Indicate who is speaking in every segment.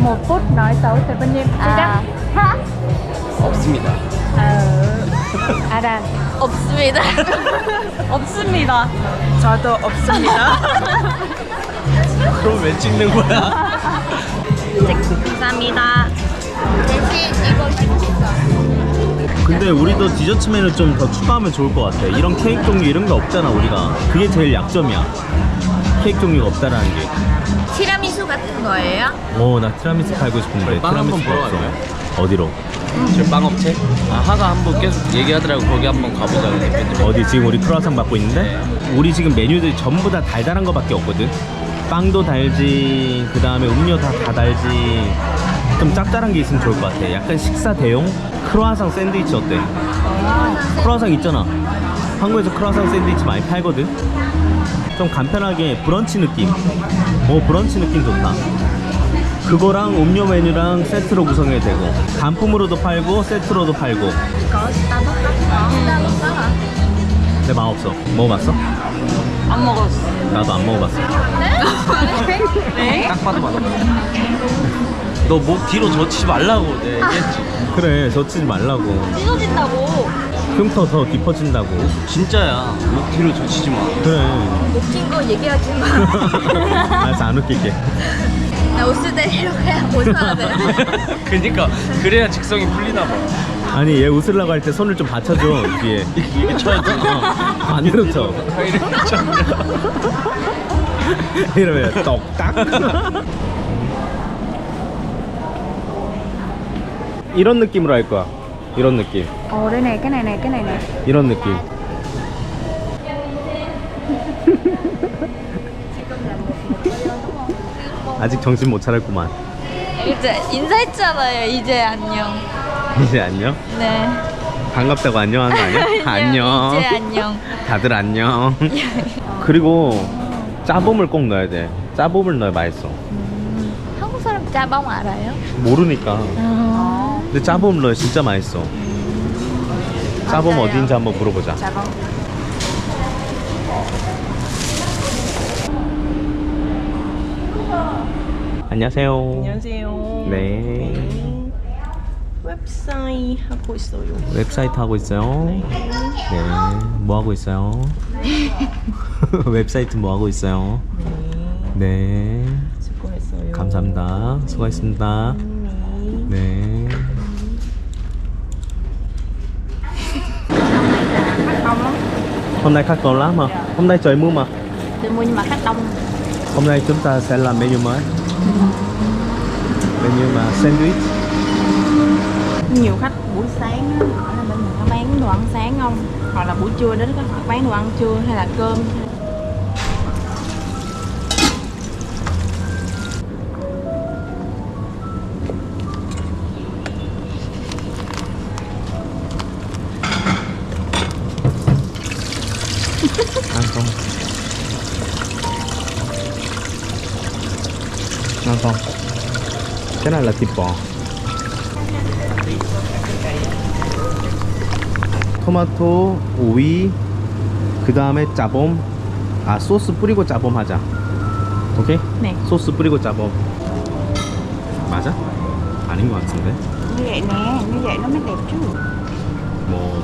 Speaker 1: một phút nói xấu 대표님 시작.
Speaker 2: 하?
Speaker 3: 없습니다.
Speaker 1: 아란.
Speaker 2: 없습니다. 없습니다.
Speaker 1: 저도 없습니다.
Speaker 3: 그럼 왜 찍는 거야?
Speaker 2: 감사합니다. 대신 이거 시켰어.
Speaker 3: 근데 우리도 디저트 메뉴 좀 더 추가하면 좋을 것 같아. 이런 케이크 종류 이런 게 없잖아 우리가. 그게 제일 약점이야. 케이크 종류가 없다라는 게.
Speaker 2: 티라미수 같은 거예요?
Speaker 3: 나 티라미수 팔고 싶은데
Speaker 4: 빵 한번
Speaker 3: 티라미수가
Speaker 4: 보러
Speaker 3: 없어.
Speaker 4: 갈까요?
Speaker 3: 어디로?
Speaker 4: 저 빵업체? 하가 한번 계속 얘기하더라고. 거기 한번 가보자고 대표님.
Speaker 3: 어디 지금 우리 크루아상 받고 있는데? 우리 지금 메뉴들이 전부 다 달달한 거밖에 없거든. 빵도 달지, 그 다음에 음료 다 달지. 좀 짭짤한 게 있으면 좋을 것 같아. 약간 식사 대용 크루아상 샌드위치 어때? 크루아상 있잖아. 한국에서 크루아상 샌드위치 많이 팔거든. 좀 간편하게 브런치 느낌. 브런치 느낌 좋다. 그거랑 음료 메뉴랑 세트로 구성해도 되고, 단품으로도 팔고 세트로도 팔고.
Speaker 2: có Starbucks đó. Starbucks đó hả?
Speaker 3: 내 마음 없어. 먹어봤어?
Speaker 2: 안 먹었어.
Speaker 3: 나도 안 먹어봤어.
Speaker 2: 네?
Speaker 4: 딱 봐도 맛없어. 너 목 뒤로 젖히지 말라고 내가 얘기했지.
Speaker 3: 그래, 젖히지 말라고.
Speaker 2: 찢어진다고.
Speaker 3: 흉터 더 깊어진다고.
Speaker 4: 진짜야. 목 뒤로 젖히지 마.
Speaker 3: 그래.
Speaker 2: 웃긴 거 얘기하지 마.
Speaker 3: 알았어, 안 웃길게.
Speaker 2: 나 웃을 때 이렇게 웃어야 돼.
Speaker 4: 그니까 그래야 직성이 풀리나 봐.
Speaker 3: 아니, 얘 웃으려고 할 때 손을 좀 받쳐줘, 뒤에.
Speaker 4: 이게 쳐야지.
Speaker 3: 반대로 쳐. 이러면 똑딱. 이런 느낌으로 할 거야. 이런 느낌.
Speaker 1: đây này, cái này này, cái này này.
Speaker 3: 이런 느낌. 아직 정신 못 차렸구만.
Speaker 2: 이제 인사했잖아요. 이제 안녕.
Speaker 3: 이제 안녕?
Speaker 2: 네.
Speaker 3: 반갑다고 안녕하는 거 아니야? 안녕.
Speaker 2: 이제 안녕.
Speaker 3: 다들 안녕. 그리고 짜봄을 꼭 넣어야 돼. 짜봄을 넣어야 맛있어.
Speaker 2: 한국 사람 짜방 알아요?
Speaker 3: 모르니까. 근데 짜봄 넣어야 진짜 맛있어. 짜봄
Speaker 2: 맞아요.
Speaker 3: 어디인지 한번 물어보자.
Speaker 2: 짜방.
Speaker 3: 안녕하세요.
Speaker 5: 안녕하세요.
Speaker 3: 네.
Speaker 5: 웹사이트 하고 있어요.
Speaker 3: 웹사이트 하고 있어요. 네. 뭐 하고 있어요? 웹사이트 뭐 하고 있어요? 네.
Speaker 5: 수고했어요.
Speaker 3: 감사합니다. 수고하셨습니다. 네. Hôm nay khách còn lắm mà. Hôm nay trời mưa mà.
Speaker 2: Tôi mua nhưng mà khách đông.
Speaker 3: Hôm nay chúng ta sẽ làm menu mới. Menu mà sandwich.
Speaker 5: Nhiều khách buổi sáng á, hỏi là bên mình có bán đồ ăn sáng không? Hoặc là buổi trưa đến có hỏi bán đồ ăn trưa hay là cơm.
Speaker 3: Ăn không? Ăn không? Cái này là thịt bò. 토마토, 오이, 그 다음에 짜봄. 소스 뿌리고 짜봄 하자. 오케이?
Speaker 5: 네.
Speaker 3: 소스 뿌리고 짜봄. 맞아? 아닌 것 같은데?
Speaker 1: Như vậy nè, như vậy nó mới đẹp chứ.
Speaker 3: 뭐,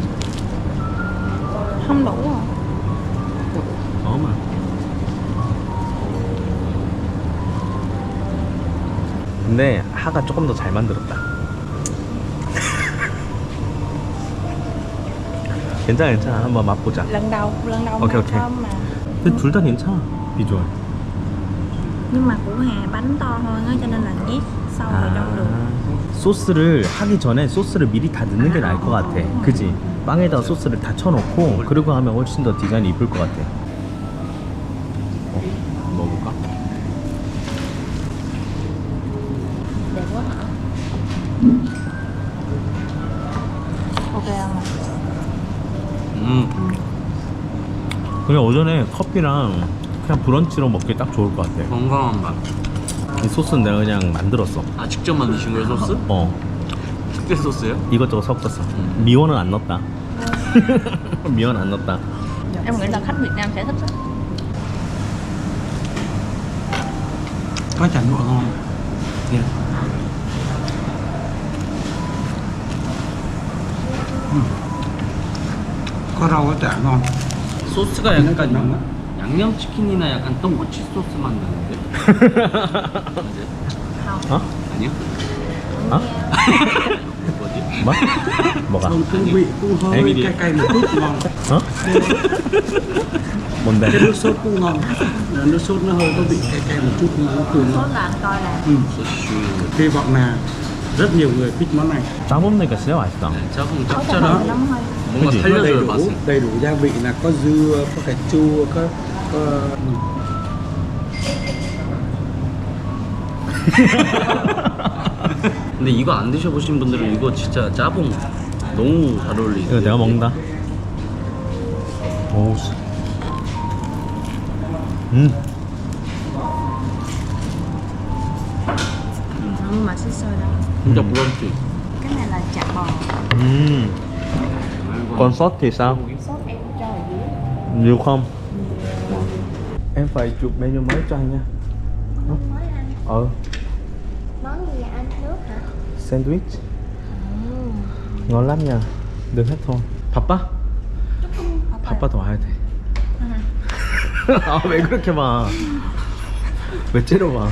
Speaker 5: Không đủ à?
Speaker 3: mà. 근데 하가 조금 더 잘 만들었다. 괜찮아, 괜찮아. 한번 맛보자.
Speaker 5: Lần đầu
Speaker 3: Ok,
Speaker 5: mà
Speaker 3: ok.
Speaker 5: thơm mà.
Speaker 3: 근데 둘 다 괜찮아. 비주얼.
Speaker 5: Nhưng mà của Hà bánh to hơn á cho nên là nhét sâu vào trong được.
Speaker 3: 소스를 하기 전에 소스를 미리 다 넣는 게 나을 것 같아. 그지? 빵에다 소스를 다 쳐놓고 그리고 하면 훨씬 더 디자인이 이쁠 것 같아. 먹어볼까?
Speaker 2: Đẹp quá hả?
Speaker 5: Ok không?
Speaker 3: 그냥 오전에 커피랑 그냥 브런치로 먹기 딱 좋을 것 같아.
Speaker 4: 건강한 맛.
Speaker 3: 이 소스는 내가 그냥 만들었어.
Speaker 4: 아 직접 만드신 거예요 소스? 특제 소스요?
Speaker 3: 이것저것 섞었어. 미원은 안 넣었다. 미원 안 넣었다.
Speaker 2: Em nghĩ là khách Việt Nam sẽ thích đó.
Speaker 4: Có chả lụa không?
Speaker 3: Yeah.
Speaker 6: có rau có chả ngon.
Speaker 4: 소스가
Speaker 6: nó
Speaker 4: 약간
Speaker 6: nồng á.
Speaker 4: 양념치킨이나 약간 떡꼬치 소스 맛 나는데.
Speaker 3: 어?
Speaker 4: 아니요?
Speaker 3: 어?
Speaker 4: 뭐지?
Speaker 3: 뭐? 뭐가?
Speaker 6: Không, cũng vị cũng hơi
Speaker 3: Em
Speaker 6: cay cay một chút ngon.
Speaker 3: 어? 뭔데?
Speaker 6: Cái nước sốt cũng ngon. Nước sốt nó hơi có vị cay cay một chút nhưng nó cũng ngon.
Speaker 5: là anh coi là
Speaker 4: 소스.
Speaker 6: Hy vọng là rất nhiều người thích món này.
Speaker 3: 짜먹으니까 진짜 맛있다.
Speaker 4: 조금
Speaker 6: Đó.
Speaker 4: 짭짤하고 뭔가
Speaker 3: 그치?
Speaker 6: Nó đầy
Speaker 4: 살려줘요
Speaker 6: đủ,
Speaker 4: 맛은.
Speaker 6: đầy đủ gia vị là có dưa, có cà chua, có
Speaker 4: 근데 이거 안 드셔보신 분들은 이거 진짜 짜봉 너무 잘 어울리죠.
Speaker 3: 이거 내가 먹는다. 오.
Speaker 5: nhưng mà xí xôi đâu.
Speaker 4: 진짜 브런치.
Speaker 5: Cái này là chả bò.
Speaker 3: Còn sốt thì sao?
Speaker 5: Sốt em cho ở dưới.
Speaker 3: Nhiều không? Em phải chụp menu mới cho anh nha.
Speaker 7: Mới ăn
Speaker 3: Ờ,
Speaker 7: món gì vậy anh? Nước hả?
Speaker 3: sandwich. ngon lắm nha. Đừng hết thôi. 바빠? 바빠도 와야 돼. 아, 왜 그렇게 봐? 왜 째려봐?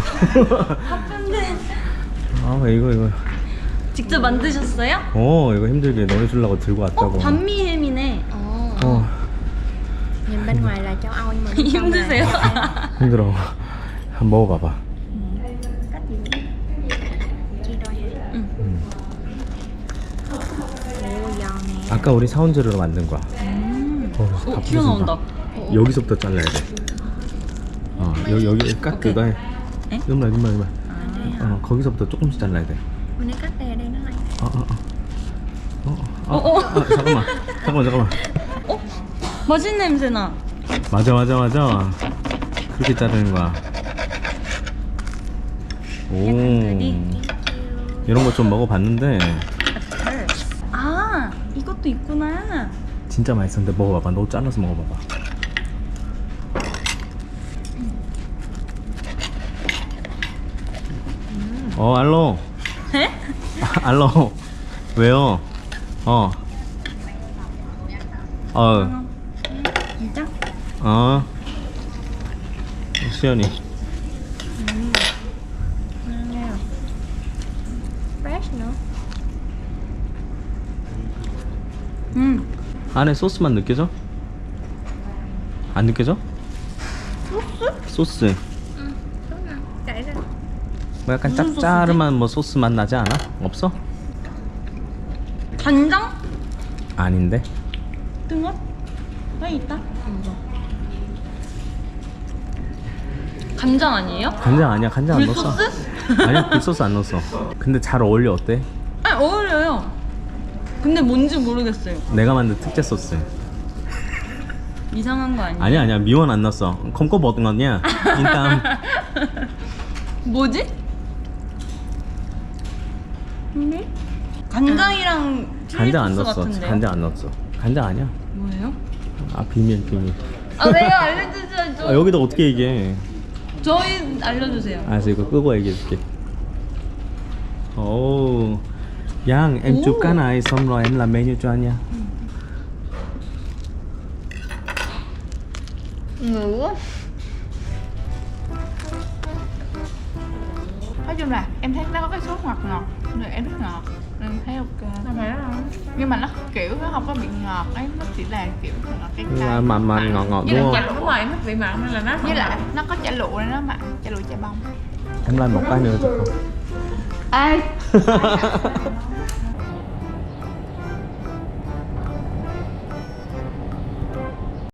Speaker 3: 아, 왜 이거.
Speaker 2: 직접 만드셨어요?
Speaker 3: 이거 힘들게 너네 주려고 들고 왔다고.
Speaker 2: 반미햄이네.
Speaker 3: 어,
Speaker 7: Nhìn bên ngoài là châu Âu nhưng mà bên trong
Speaker 2: 힘드세요?
Speaker 7: là
Speaker 3: 힘들어. 한번 먹어봐봐.
Speaker 7: cách gì nữa? Chia đôi hả? 오, giòn nè.
Speaker 3: 아까 우리 사온 재료로 만든 거야. 다
Speaker 2: 튀어나온다.
Speaker 3: 부서진다. 여기서부터 잘라야 돼. 여기 깎 그거 해.
Speaker 2: 에?
Speaker 3: 이만. 거기서부터 조금씩 잘라야 돼.
Speaker 7: Bên đây cách đây đây nó lại.
Speaker 3: 잠깐만.
Speaker 2: 맛있는 냄새 나.
Speaker 3: 맞아. 그렇게 자르는 거야. 오. 이런 거 좀 먹어봤는데
Speaker 2: 아, 이것도 있구나.
Speaker 3: 진짜 맛있었는데 먹어봐봐. 너 잘라서 먹어봐봐. 알로.
Speaker 2: 에?
Speaker 3: 알로. 왜요?
Speaker 2: 진짜?
Speaker 3: 시연이.
Speaker 7: Fresh nữa.
Speaker 3: 안에 소스만 느껴져? 안 느껴져? 소스?
Speaker 7: Chạy ra.
Speaker 3: 뭐 약간
Speaker 2: 무슨
Speaker 3: 짭짤한 뭐 소스 맛 나지 않아? 없어?
Speaker 2: 간장?
Speaker 3: 아닌데?
Speaker 2: 뜬것? 왜 있다? 간장 아니에요?
Speaker 3: 간장 아니야. 간장 안 넣었어.
Speaker 2: 굴소스?
Speaker 3: 아니야, 굴소스 안 넣었어. 근데 잘 어울려. 어때?
Speaker 2: 아, 어울려요. 근데 뭔지 모르겠어요.
Speaker 3: 내가 만든 특제 소스.
Speaker 2: 이상한 거 아니에요?
Speaker 3: 아니야. 미원 안 넣었어. 컴고 먹은 거냐? 일단
Speaker 2: 뭐지? 간장이랑
Speaker 3: 간장 안
Speaker 2: 칠리 소스
Speaker 3: 넣었어.
Speaker 2: 같은데요?
Speaker 3: 간장 안 넣었어. 간장 아니야.
Speaker 2: 뭐예요?
Speaker 3: 아, 비밀.
Speaker 2: 아, 왜요? 알려주셔야죠.
Speaker 3: 여기다 어떻게 얘기해?
Speaker 2: 저희 알려주세요.
Speaker 3: 알았어, 이거 끄고 얘기해줄게. 오, Yang, em chụp cái này xong rồi em làm menu cho anh nha.
Speaker 2: ngủ.
Speaker 5: Nói chung là em thấy nó có cái sốt ngọt ngọt, rồi em thích ngọt nên thấy ok. Nhưng mà nó kiểu nó không có bị ngọt ấy, nó chỉ là kiểu ngọt cay cay.
Speaker 3: Mặn ngọt
Speaker 5: Với
Speaker 3: đúng
Speaker 5: lại
Speaker 3: không?
Speaker 5: chả, đúng rồi, em thích vị mặn nên là nó với lại nó có chả lụa nên nó mặn, chả lụa chả bông.
Speaker 3: Em làm một cái nữa được không?
Speaker 2: Ai?